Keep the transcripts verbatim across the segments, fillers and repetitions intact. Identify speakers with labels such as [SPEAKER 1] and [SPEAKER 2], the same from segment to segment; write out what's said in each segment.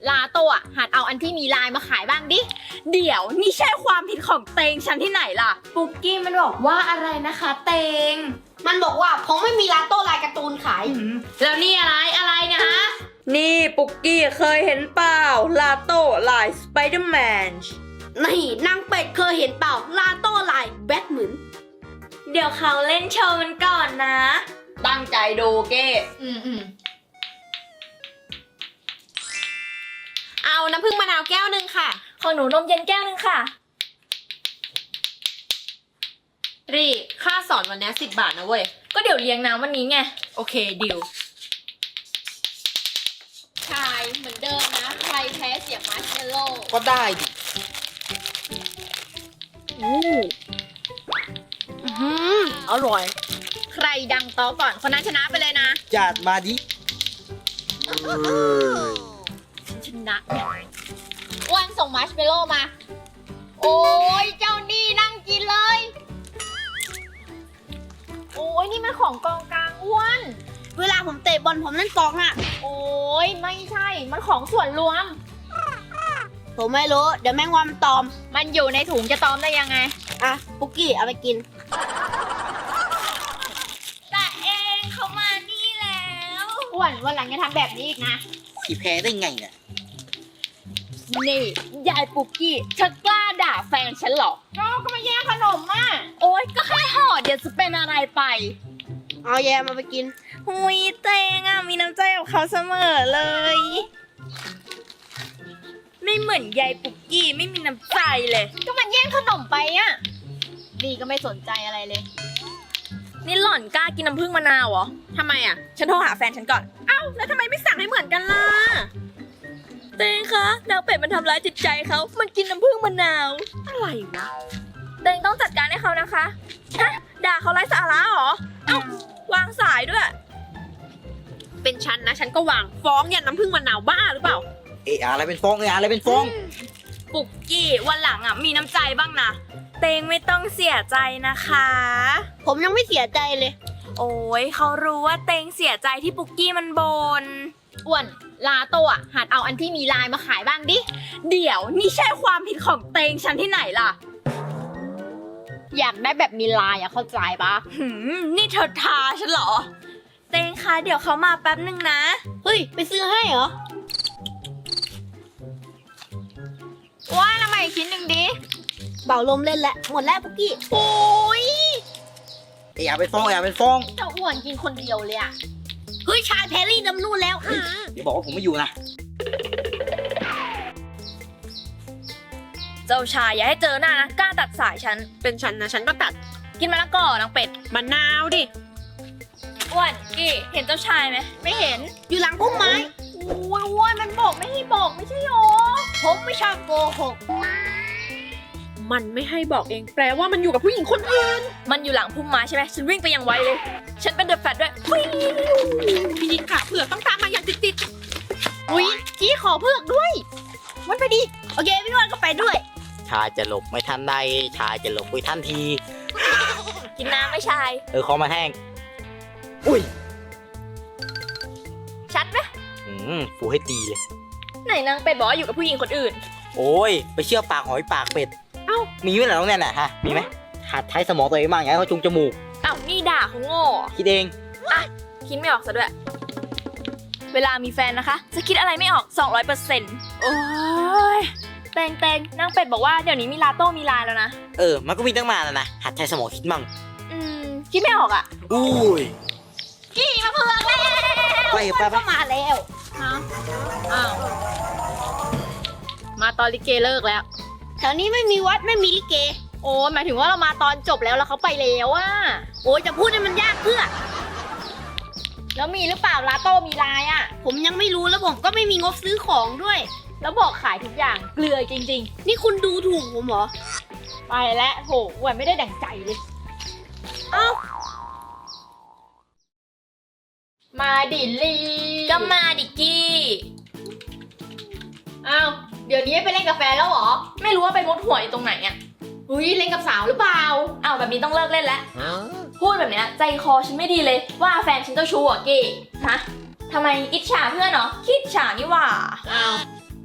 [SPEAKER 1] ลาโต้อะหัดเอาอันที่มีลายมาขายบ้างดิเดี๋ยวนี่ใช่ความผิดของเตงฉันที่ไหนล่ะปุกกี้มันบอกว่าอะไรนะคะเตง
[SPEAKER 2] มันบอกว่าผมไม่มีลาโต้ลายการ์ตูนขาย
[SPEAKER 1] แล้วนี่อะไรอะไรเนี่ยฮะ
[SPEAKER 3] นี่ปุกกี้เคยเห็นเปล่าลาโต้ลายสไปเดอร์แมน
[SPEAKER 2] นี่นางเป็ดเคยเห็นเปล่าลาโต้ลายแบทเหมือน
[SPEAKER 3] เดี๋ยวเขาเล่นโชว์มันก่อนนะ
[SPEAKER 1] ตั้งใจดูเก้อืมอืมเอาน้ำผึ้งมะนาวแก้วหนึ่งค่ะ
[SPEAKER 3] ของหนูนมเย็นแก้วนึงค่ะ
[SPEAKER 1] รีค่าสอนวันนี้สิบบาทนะเว้ย
[SPEAKER 3] ก็เดี๋ยวเลี้ยงน้ำวันนี้ไง
[SPEAKER 1] โอเคดิวชายเหมือนเดิมนะใครแพ้เสียมัชเมลโล่
[SPEAKER 4] ก็ได้ดิ
[SPEAKER 1] อู้อืมอร่อยใครดังโต๊ะก่อนคนนั้นชนะไปเลยนะ
[SPEAKER 4] จัดมาดิ
[SPEAKER 1] ชนะอ้วนส่งมัชเมลโล่มาโอ้ยเจ้านี่นั่งกินเลยโอ้ยนี่มันของกองกลางอ้วน
[SPEAKER 2] เวลาผมเตะบอลผมเล่นกองอะ
[SPEAKER 1] โอ้ยไม่ใช่มันของส่วนรวม
[SPEAKER 2] ผมไม่รู้เดี๋ยวแมงวันมันตอม
[SPEAKER 1] มันอยู่ในถุงจะตอมได้ยังไง
[SPEAKER 2] อ่ะปุกกี้เอาไปกิน
[SPEAKER 3] แต่เองเขามานี่แล้ว
[SPEAKER 1] อ้วนวันหลังอย่าทำแบบนี้อีกนะ
[SPEAKER 4] ขี่แพ้ได้ไงเนี่ย
[SPEAKER 1] นี่ยายปุกกี้เธอกล้าด่าแฟนฉันหรอก็ก็มาแย่งขนมอ่ะโอ๊ยก็แค่ห่อเดี๋ยวจะเป็นอะไรไป
[SPEAKER 2] เอาแยมมาไปกิน
[SPEAKER 3] หุยเตงอ่ะมีน้ำใจกับเขาเสมอเลยไม่เหมือนยายปุกกี้ไม่มีน้ำใจเลย
[SPEAKER 1] ก็มันแย่งขนมไปอ่ะดีก็ไม่สนใจอะไรเลย
[SPEAKER 3] นี่หล่อนกล้ากินน้ำผึ้งมะนาวเหรอ
[SPEAKER 1] ทำไมอ่ะ
[SPEAKER 3] ฉันโทรหาแฟนฉันก่อน
[SPEAKER 1] เอ้าแล้วทำไมไม่สั่งให้เหมือนกันล่ะ
[SPEAKER 3] เตงคะนางเป็ดมันทำร้ายจิตใจเขามันกินน้ำผึ้งมะนาว
[SPEAKER 1] อะไรวะ
[SPEAKER 3] เตงต้องจัดการให้เขานะคะฮะด่าเขาไร้สาระเหรอเอ้าวางสายด้วย
[SPEAKER 1] เป็นฉันนะฉันก็วางฟ้องอย่าน้ำผึ้งมะนาวบ้าหรือเปล่า
[SPEAKER 4] เอะอะไรเป็นฟองเอะอะไรเป็นฟอง
[SPEAKER 3] ปุกกี้วันหลังอ่ะมีน้ำใจบ้างนะเตงไม่ต้องเสียใจนะคะ
[SPEAKER 2] ผมยังไม่เสียใจเลย
[SPEAKER 3] โอ้ยเขารู้ว่าเตงเสียใจที่ปุกกี้มันบน
[SPEAKER 1] อ้วนลาโต้อะหัดเอาอันที่มีลายมาขายบ้างดิเดี๋ยวนี่ใช่ความผิดของเตงฉันที่ไหนล่ะอยากได้แบบมีลายอะเข้าใจปะ
[SPEAKER 3] หืมนี่เธอทาฉันเหรอเตงคะเดี๋ยวเขามาแป๊บนึงนะ
[SPEAKER 2] เฮ้ยไปซื้อให้เหรอ
[SPEAKER 1] ว่าทำไมชิ้นหนึ่งดิ
[SPEAKER 2] เป่าลมเล่นแล้วหมดแล้วปุกกี้
[SPEAKER 1] โอ้ย
[SPEAKER 4] เอะเป็นฟองเอะเป็นฟอง
[SPEAKER 1] เจ้าอ้วนกินคนเดียวเลยอะ
[SPEAKER 2] เฮ้ยชายแพรรี่ดำนู่นแล้ว
[SPEAKER 4] เดี๋ยวบอกว่าผมไม่อยู่นะ
[SPEAKER 3] เจ้าชายอย่าให้เจอหน้านะกล้าตัดสายฉัน
[SPEAKER 1] เป็นฉันนะฉันก็ตัด
[SPEAKER 3] กินมะละกอนางเป็ด
[SPEAKER 1] มะนาวดิ
[SPEAKER 3] อ้วนกี้เห็นเจ้าชายไหม
[SPEAKER 1] ไม่เห็น
[SPEAKER 2] อยู่หลังพุ่มไม้
[SPEAKER 1] โอ้ยอ้วนมันบอกไม่ให้บอกไม่ใช่หรอ
[SPEAKER 2] ผมไม่ชอบโกหก
[SPEAKER 1] มันไม่ให้บอกเองแปลว่ามันอยู่กับผู้หญิงคนอื่น
[SPEAKER 3] มันอยู่หลังพุ่มไม้ใช่ไหมฉันวิ่งไปยังไวเลยฉันเป็นเดอะแฟตด้วย
[SPEAKER 1] พี่ขาเผือกต้องตามมาอย่างติดๆอุ้ยจี้ขอเผือกด้วยวันไปดิ
[SPEAKER 2] โอเคพี่วันก็ไปด้วย
[SPEAKER 4] ชายจะหลบไม่ทันใดชายจะหลบไม่ทันที
[SPEAKER 3] กินน้ำไม่ชาย
[SPEAKER 4] เออคอมาแห้งอุ้ย
[SPEAKER 3] ชัดไหม
[SPEAKER 4] อืมฟูให้ตีเลย
[SPEAKER 3] ไหนนางเป็ดบอกอยู่กับผู้หญิงคนอื่น
[SPEAKER 4] โอ้ยไปเชื่อปากหอยปากเป็ด
[SPEAKER 1] เอ้า
[SPEAKER 4] มีไหมล่ะน้องแนนน่ะฮะมีไหมหัดใช้สมองตัวเองบ้างอย่าให้เขาจุงจมูก
[SPEAKER 3] เอ้านี่ด่าเขาโง่
[SPEAKER 4] คิดเอง
[SPEAKER 3] อ่ะคิดไม่ออกซะด้วยเวลามีแฟนนะคะจะคิดอะไรไม่ออก สองร้อยเปอร์เซ็นต์ โอ้ยเตงเตงนางเป็ดบอกว่าเดี๋ยวนี้มีลาโต้มีลายแล้วนะ
[SPEAKER 4] เออมันก็มีตั้งมาแล้วนะหัดใช้สมองคิดมั่ง
[SPEAKER 3] อืมคิดไม่ออกอ่ะ
[SPEAKER 4] อุ้ย
[SPEAKER 1] กี่มาเผือกแล้ว
[SPEAKER 4] ไปไปไป
[SPEAKER 2] มาแล้ว
[SPEAKER 1] ฮะอ้าวมาตอนลิเกเลิกแล้ว
[SPEAKER 2] แถวนี้ไม่มีวัดไม่มีลิเก
[SPEAKER 1] โอ้หมายถึงว่าเรามาตอนจบแล้วแล้วเขาไปแล้วอะ
[SPEAKER 2] โอ้ยจะพูดให้มันยากเพื่อ
[SPEAKER 1] แล้วมีหรือเปล่าลาโต้มีลายอะ
[SPEAKER 2] ผมยังไม่รู้แล้วผมก็ไม่มีงบซื้อของด้วย
[SPEAKER 1] แล้วบอกขายทุกอย่างเกลือจริง
[SPEAKER 2] ๆนี่คุณดูถูกผมเหรอ
[SPEAKER 1] ไปแล้วโหแหวนไม่ได้ดั่งใจเลย
[SPEAKER 2] เอ้า
[SPEAKER 1] มาดิลี
[SPEAKER 3] ก็มาดิกี้
[SPEAKER 1] อ้าวเดี๋ยวนี้ไปเล่นกาแฟแล้วเหรอ
[SPEAKER 3] ไม่รู้ว่าไปมุดหัวอยู่ตรงไหนอ่ะ
[SPEAKER 1] อุ้ยเล่นกับสาวหรือเปล่า
[SPEAKER 3] อ้าวแบบนี้ต้องเลิกเล่นแล้วพูดแบบนี้ใจคอฉันไม่ดีเลยว่าแฟนฉันเจ้าชู้อ่ะกี้ฮะทำไมอิจฉาเพื่อนเนาะคิดฉานี่หว่า
[SPEAKER 1] อ้าว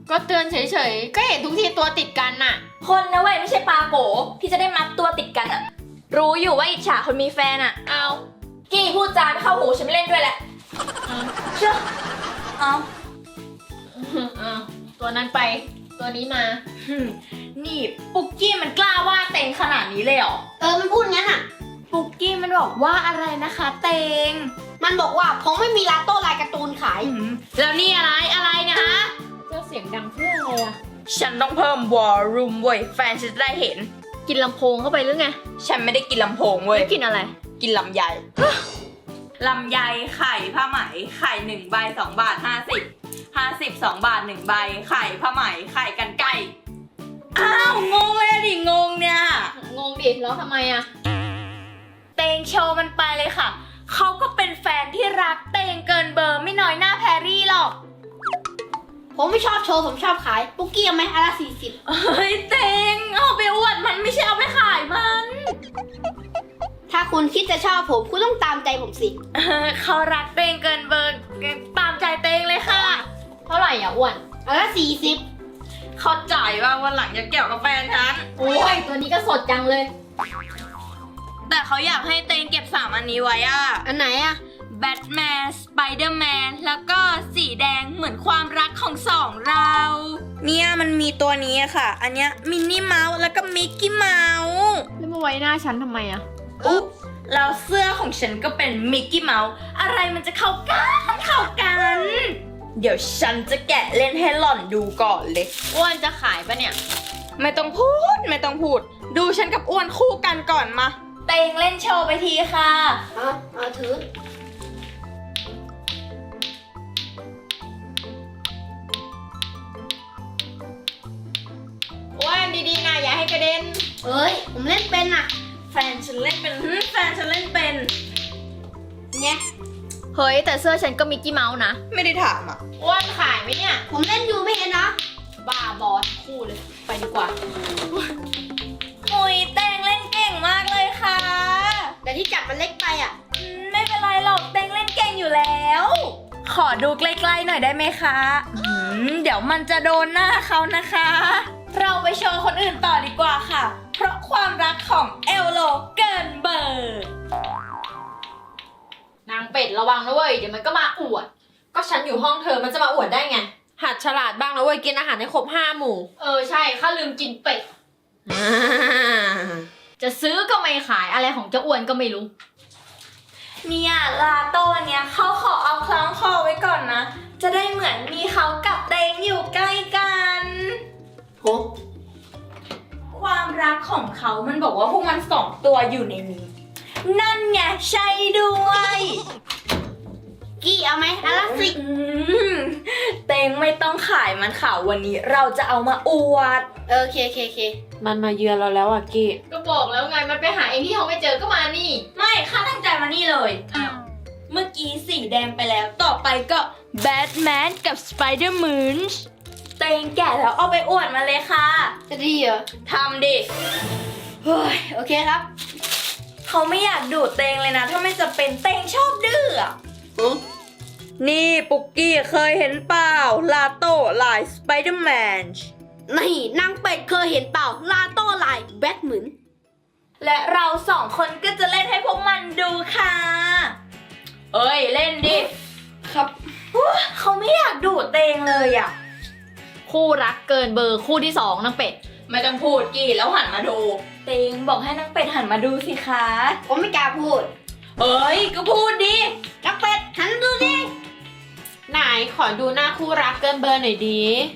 [SPEAKER 1] ก็เตือนเฉยๆ ก็เห็นทุกทีตัวติดกันน่ะ
[SPEAKER 3] คนนะเว้ยไม่ใช่ปลาโกที่จะได้มัดตัวติดกันอะรู้อยู่ว่าอิจฉาคนมีแฟนอะ
[SPEAKER 1] เอา
[SPEAKER 3] กี้พูดจาไม่เข้าหูฉันไม่เล่นด้วยแหละเชื่อเอา
[SPEAKER 1] เอาตัวนั้นไปตัวนี้มา
[SPEAKER 3] หึ่มนี่ปุกกี้มันกล้าว่าเต็งขนาดนี้เลยเหรอ
[SPEAKER 2] เออมันพูดงั้นอ่ะ
[SPEAKER 3] ปุกกี้มันบอกว่าอะไรนะคะเต็ง
[SPEAKER 2] มันบอกว่าผมไม่มีลาโต้ลายการ์ตูนขาย
[SPEAKER 1] แล้วนี่อะไรอะไรเนะฮะเจ้าเสียงดังเพื่ออะไรอะ
[SPEAKER 3] ฉันต้องเพิ่มวอลลุ่มเว้ยแฟนฉันจะได้เห็น
[SPEAKER 1] กินลำโพงเข้าไปหรือไง
[SPEAKER 3] ฉันไม่ได้กินลำโพงเว้ย
[SPEAKER 1] แล้วกินอะไร
[SPEAKER 3] กินลำไย ลำไยไข่ผ้าไหมไข่หนึ่งใบสองบาทห้าสิบห้าสิบสองบาทหนึ่งใบไข่ผ้าไหมไข่กันไก่อ้าวงงเลยอะดิงงเนี่ย
[SPEAKER 1] งงดิแล้วทำไมอะ
[SPEAKER 3] เตงโชว์มันไปเลยค่ะเขาก็เป็นแฟนที่รักเตงเกินเบอร์ไม่น้อยหน้าแพรรี่หรอก
[SPEAKER 2] ผมไม่ชอบโชว์ผมชอบขายปุกกี้เอาไหมอันละสี่สิบ
[SPEAKER 3] เฮ้ยเตงเอาไปอวดมันไม่ใช่เอาไปขายมัน
[SPEAKER 2] ถ้าคุณคิดจะชอบผมคุณต้องตามใจผมสิ
[SPEAKER 3] เออเขารักเตงเกินเบอร์ตามใจเตงเลยค่ะ
[SPEAKER 1] เท่าไหร่อ่ะอ้วน
[SPEAKER 2] อันละสี่สิบ
[SPEAKER 3] เข้าใจว่าวันหลังจะเกี่ยวกับแฟนฉัน
[SPEAKER 1] โอ้ยตัวนี้ก็สดจังเลย
[SPEAKER 3] แต่เขาอยากให้เตงเก็บสามอันนี้ไว้อะ
[SPEAKER 2] อันไหนอะ
[SPEAKER 3] แบทแมนสไปเดอร์แมนแล้วก็สีแดงเหมือนความรักของสองเรา เนี่ยมันมีตัวนี้อะค่ะ อันเนี้ยมินนี่เมาส์แล้วก็มิกกี้เมาส์
[SPEAKER 1] แล้วมาไว้หน้าฉันทำไมอะ
[SPEAKER 3] อุ๊บแล้วเสื้อของฉันก็เป็นมิกกี้เมาส์อะไรมันจะเข้ากันเข้ากัน เดี๋ยวฉันจะแกะเล่นให้หล่อนดูก่อนเลย
[SPEAKER 1] อ้วนจะขายปะเนี่ย
[SPEAKER 3] ไม่ต้องพูดไม่ต้องพูด ดูฉันกับอ้วนคู่กันก่อนมา เตงเล่นโชว์ไปทีค่ะ
[SPEAKER 2] เอาเอาถือ
[SPEAKER 1] อ้วนดีๆนะอย่าให้กระเด็น
[SPEAKER 2] เอ้ย ผมเล่นเป็นอะ
[SPEAKER 3] แฟนฉันเล่นเป็นหึแฟนฉันเล่นเป็น
[SPEAKER 2] เนี่ย
[SPEAKER 1] เฮ้ยแต่เสื้อฉันก็มิกกี้เมาส์นะ
[SPEAKER 3] ไม่ได้ถามอ่ะ
[SPEAKER 1] อ้วนขายไหมเนี่ย
[SPEAKER 2] ผมเล่นอยู่ไม่เห็นนะ
[SPEAKER 1] บ้าบอสคู่เลย ไปดีกว่า
[SPEAKER 3] โอ้ยเตงเล่นเก่งมากเลยค่ะ
[SPEAKER 2] แต่ที่จับมันเล็กไปอะ
[SPEAKER 3] อืมไม่เป็นไรหรอกเตงเล่นเก่งอยู่แล้ว ขอดูใกล้ๆหน่อยได้ไหมคะอืมเดี๋ยวมันจะโดนหน้าเขานะคะ เราไปโชว์คนอื่นต่อดีกว่าค่ะ เพราะความรักของเอลโลเกินเบอร์
[SPEAKER 1] นางเป็ดระวังนะเว้ย เดี๋ยวมันก็มาอวด
[SPEAKER 5] ก็ฉันอยู่ห้องเธอมันจะมาอวดได้ไง หัดฉลาดบ้างนะเว้ยกินอาหารให้ครบห้าหมู่
[SPEAKER 1] เออใช่ข้าลืมกินเป็ด จะซื้อก็ไม่ขายอะไรของเจ้าอ้วนก็ไม่รู้
[SPEAKER 3] เนี่ยลาโต้เนี้ยเขาขอเอาคล้องคอไว้ก่อนนะ จะได้เหมือนมีเขากับเตงอยู่ใกล้กัน
[SPEAKER 2] โห
[SPEAKER 3] ความรักของเขามันบอกว่าพวกมันสองตัวอยู่ในนี้ นั่นไงใช่ด้วย
[SPEAKER 2] กี้เอาไหมอันละสิบ
[SPEAKER 3] อืมเตงไม่ต้องขายมันข่าววันนี้เราจะเอามาอวด
[SPEAKER 2] เออโอเคโอเคโอเค
[SPEAKER 5] มันมาเยือนเราแล้วอ่ะกี้
[SPEAKER 1] ก็บอกแล้วไงมันไปหาเองที่ห้องไม่เจอก็มานี่
[SPEAKER 3] ไม่ข้าตั้งใจมานี่เลย
[SPEAKER 1] อ้าว
[SPEAKER 3] เมื่อกี้สีแดงไปแล้ว ต่อไปก็แบทแมนกับสไปเดอร์มูนเตงแก่แล้วเอาไปอวดมาเลยค่ะ
[SPEAKER 2] จะดีเหรอ
[SPEAKER 3] ทำดิ
[SPEAKER 2] เฮ้ยโอเคครับ
[SPEAKER 3] เขาไม่อยากดูดเตงเลยนะ ถ้าไม่จะเป็นเตงชอบดื้ออะ
[SPEAKER 2] อือ
[SPEAKER 3] นี่ปุกกี้เคยเห็นเปล่าลาโต้ลายสไปเดอร์แมน
[SPEAKER 2] นี่นางเป็ดเคยเห็นเปล่าลาโต้ลายแบทเหมือน
[SPEAKER 3] และเราสองคนก็จะเล่นให้พวกมันดูค่ะ เอ้ย เล่นดิ
[SPEAKER 2] ครับ
[SPEAKER 3] เขาไม่อยากดูดเตงเลยอะ
[SPEAKER 1] คู่รักเกินเบอร์คู่ที่สองนางเป็ด
[SPEAKER 3] ไม่ต้องพูดกี่แล้วหันมาดู เตงบอกให้นางเป็ดหันมาดูสิคะ
[SPEAKER 2] ผมไม่กล้าพูด
[SPEAKER 3] เอ้ย ก็พูดดิ
[SPEAKER 2] นางเป็ดหันดูดิ
[SPEAKER 5] ไหนขอดูหน้าคู่รักเกินเบอร์หน่อยดี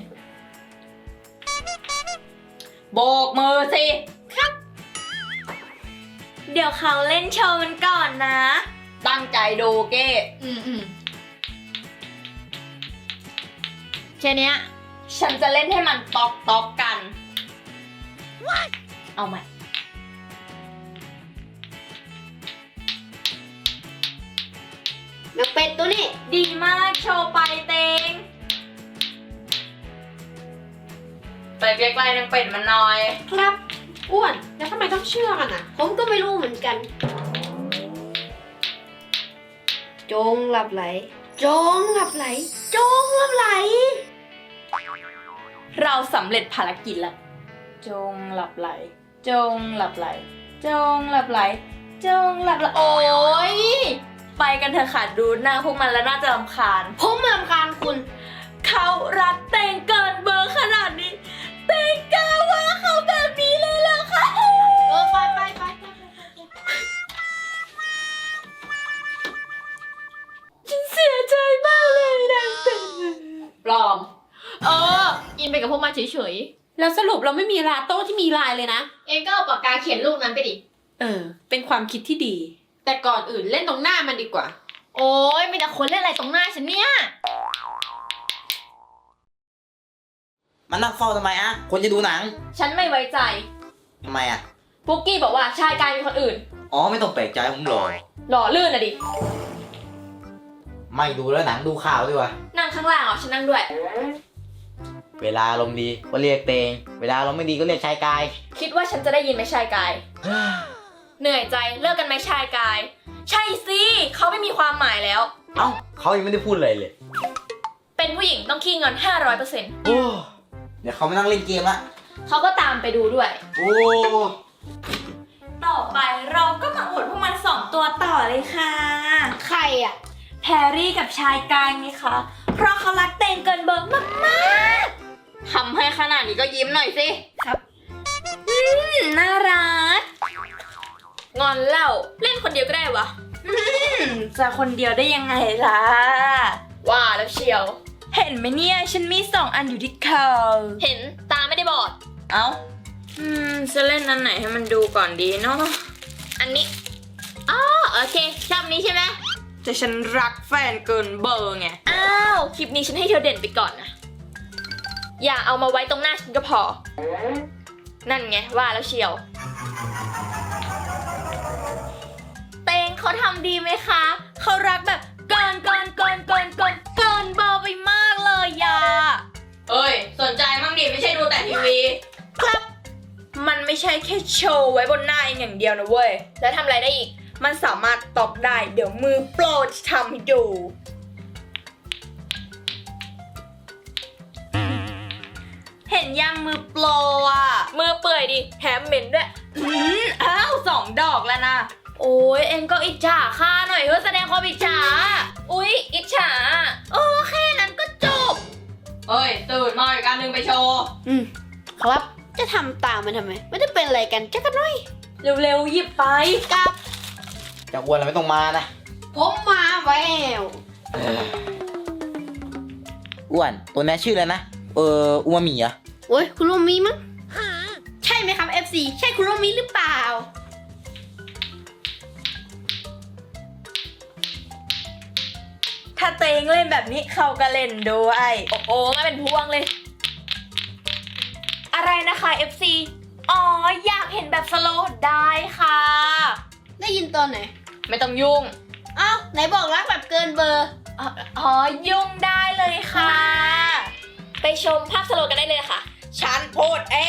[SPEAKER 3] โบกมือสิ ครับ เดี๋ยวเขาเล่นโชว์มันก่อนนะ ตั้งใจดูเก้
[SPEAKER 1] อืมอืมแค่เนี้ย
[SPEAKER 3] ฉันจะเล่นให้มันตอกตอกกัน เอาใหม่
[SPEAKER 2] นางเป็ดตัวนี้
[SPEAKER 3] ดีมากโชว์ไปเตง ไปใกล้ๆนางเป็ดมันหน่อย
[SPEAKER 2] ครับ
[SPEAKER 5] อ้วน แล้วทำไมต้องเชื่อกันอ่ะ
[SPEAKER 2] ผมก็ไม่รู้เหมือนกัน จงหลับไหล จงหลับไหล จงหลับไหล
[SPEAKER 3] เราสำเร็จภารกิจแล้วจงหลับไหล จงหลับไหล จงหลับไหล จงหลับไหล โอ้ยไปกันเถอะค่ะดูหน้าพวกมันแล้วน่าจะรำคาญ
[SPEAKER 2] ผมรำคาญคุณ
[SPEAKER 3] เขารักเตงเกินเบอร์ขนาดนี้ เตงกล้าว่าเขาแบบนี้เลยเหรอคะ
[SPEAKER 2] เออไปไปไปไป
[SPEAKER 3] ฉันเสียใจมากเลยนางเตง
[SPEAKER 5] ปลอม
[SPEAKER 1] เออ อินไปกับพวกมันเฉย
[SPEAKER 5] แล้วสรุปเราไม่มีลาโต้ที่มีลายเลยนะ
[SPEAKER 1] ๆ เองก็เอาปากกาเขียนรูปนั้นไปดิ
[SPEAKER 5] เออ เป็นความคิดที่ดี แต่ก่อนอื่นเล่นตรงหน้ามันดีกว่า
[SPEAKER 1] โอ้ยมีแต่คนเล่นอะไรตรงหน้าฉันเนี่ย
[SPEAKER 4] มันนั่งเฝ้าทำไมอะคนจะดูหนัง
[SPEAKER 3] ฉันไม่ไว้ใจ
[SPEAKER 4] ทำไมอะ
[SPEAKER 3] ปุกกี้บอกว่าชายกายมีคนอื่น
[SPEAKER 4] อ๋อไม่ต้องแปลกใจผมหรอก
[SPEAKER 3] หล่อลื่นอะดิ
[SPEAKER 4] ไม่ดูแล้วหนังดูข่าวดีกว่า
[SPEAKER 3] นั่งข้างล่างเหรอฉันนั่งด้วย
[SPEAKER 4] เวลาลมณ์ดีก็เรียกเตง เวลาลมณ์ไม่ดีก็เรียกชายกาย
[SPEAKER 3] คิดว่าฉันจะได้ยินไหมชายกาย เหนื่อยใจเลิกกันไหมชายกาย ใช่สิเขาไม่มีความหมายแล้ว
[SPEAKER 4] เอ้าเขายังไม่ได้พูดเลยเลย
[SPEAKER 3] เป็นผู้หญิงต้องขี้เงิน ห้าร้อยเปอร์เซ็นต์
[SPEAKER 4] โอ้เดี๋ยวเขามานั่งเล่นเกมละ
[SPEAKER 3] เขาก็ตามไปดูด้วย
[SPEAKER 4] โอ้
[SPEAKER 3] ต่อไปเราก็มาอวดพวกมันสองตัวต่อเลยค่ะ
[SPEAKER 2] ใครอ่ะ
[SPEAKER 3] แพรรี่กับชายกายไงคะ เพราะเขารักเตงเกินเบอร์มากๆทำให้ขนาดนี้ก็ยิ้มหน่อยสิ
[SPEAKER 2] ครับ
[SPEAKER 3] อืมน่ารัก งอนเล่าเล่นคนเดียวก็ได้วะอืมจะคนเดียวได้ยังไงล่ะ ว่าแล้วเชียว เห็นไหมเนี่ย ฉันมีสองอันอยู่ที่เขาเห็นตาไม่ได้บอด เอ้า อืม จะเล่นอันไหนให้มันดูก่อนดีเนาะ อันนี้ อ๋อโอเค ชอบนี้ใช่ไหมแต่ฉันรักแฟนเกินเบอร์ไง อ้าว คลิปนี้ฉันให้เธอเด่นไปก่อนนะ อย่าเอามาไว้ตรงหน้าฉันก็พอ นั่นไงว่าแล้วเชียว เตงเขาทำดีไหมคะ เขารักแบบเกินเกินเกินเกินเกินเกินเบอร์ไปมากเลยยา
[SPEAKER 5] เอ้ย สนใจมั่งดิไม่ใช่ดูแต่ทีวี
[SPEAKER 3] ครับ มันไม่ใช่แค่โชว์ไว้บนหน้าเองอย่างเดียวนะเว้ย แล้วทำอะไรได้อีก มันสามารถตอกได้ เดี๋ยวมือโปรจะทำให้ดู เห็นยังมือโปรอ่ะ มือเปื่อยดิแถมเหม็นด้วย อืมอ้าวสองดอกแล้วนะ โอ้ยเอ็งก็อิจฉาข้าหน่อยเพื่อแสดงความอิจฉา อุ๊ย อิจฉา โอ้แค่นั้นก็จบ
[SPEAKER 5] เอ้ย ตื่นมาอีกอันหนึงไปโชว์
[SPEAKER 2] อืมครับ จะทำตามมันทำไม ไม่ได้เป็นอะไรกันจักกันหน่อย
[SPEAKER 3] เร็วๆหยิบไป
[SPEAKER 2] กับ
[SPEAKER 4] จะอ้วนเราไม่ต้องมานะ
[SPEAKER 2] ผมมาแวว
[SPEAKER 4] อ้วนตัวนี้ชื่ออะไรนะ เอออูมามิเหรอ
[SPEAKER 2] โอ้ยคุณโรมีมั้งใช่ไหมครับ เอฟ ซี ใช่คุณโรมีหรือเปล่า
[SPEAKER 3] ถ้าเตงเล่นแบบนี้เขาก็เล่นด้วย โอ้โหไม่เป็นพวงเลย อะไรนะคะ เอฟ ซี อ๋อ อยากเห็นแบบสโลว์ได้ค่ะ
[SPEAKER 2] ได้ยินตอนไหน
[SPEAKER 3] ไม่ต้องยุ่ง
[SPEAKER 2] เอ้าไหนบอกรักแบบเกินเบอร์
[SPEAKER 3] อ๋ออ๋อ ยุ่งได้เลยค่ะ ไปชมภาพสโลว์กันได้เลยค่ะ ฉันพูดเอง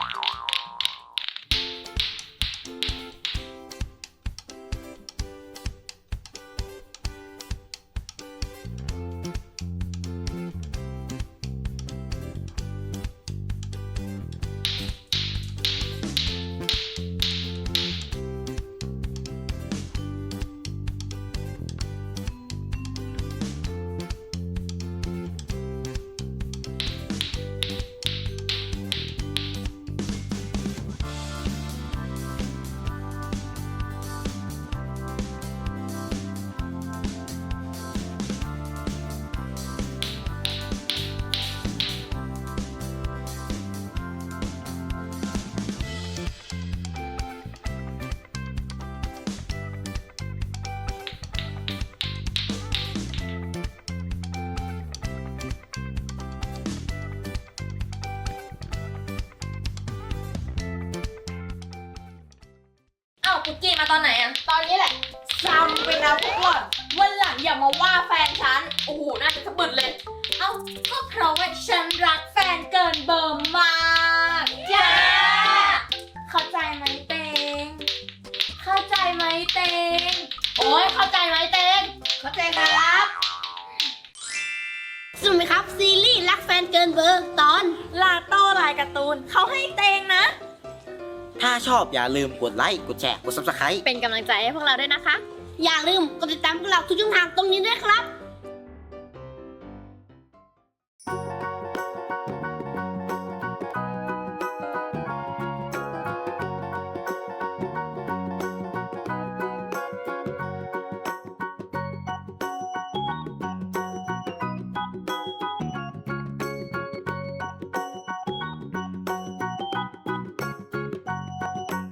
[SPEAKER 3] เอ้าปุกกี้มาตอนไหนอะ
[SPEAKER 2] ตอนนี้แหละ
[SPEAKER 3] จำไปนะพวกหล่อนวันหลังอย่ามาว่าแฟนฉัน โอ้โห น่าจะสะบึดเลย เอ้า ก็เพราะว่าฉันรักแฟนเกินเบอร์มากจ้าเข้าใจไหมเตง เข้าใจไหมเตง
[SPEAKER 1] โอ้ยเข้าใจไหมเตง
[SPEAKER 2] เข้าใจครับ สนุกไหมครับ ซีรีส์รักแฟนเกินเบอร์ตอน
[SPEAKER 3] ลาการ์ตูนเขาให้เตงนะ
[SPEAKER 4] ถ้าชอบอย่าลืมกดไลค์ กดแชร์ กด ซับสไครบ์
[SPEAKER 1] เป็นกำลังใจให้พวกเราด้วยนะคะ
[SPEAKER 2] อย่าลืมกดติดตามพวกเราทุกช่องทางตรงนี้ด้วยครับ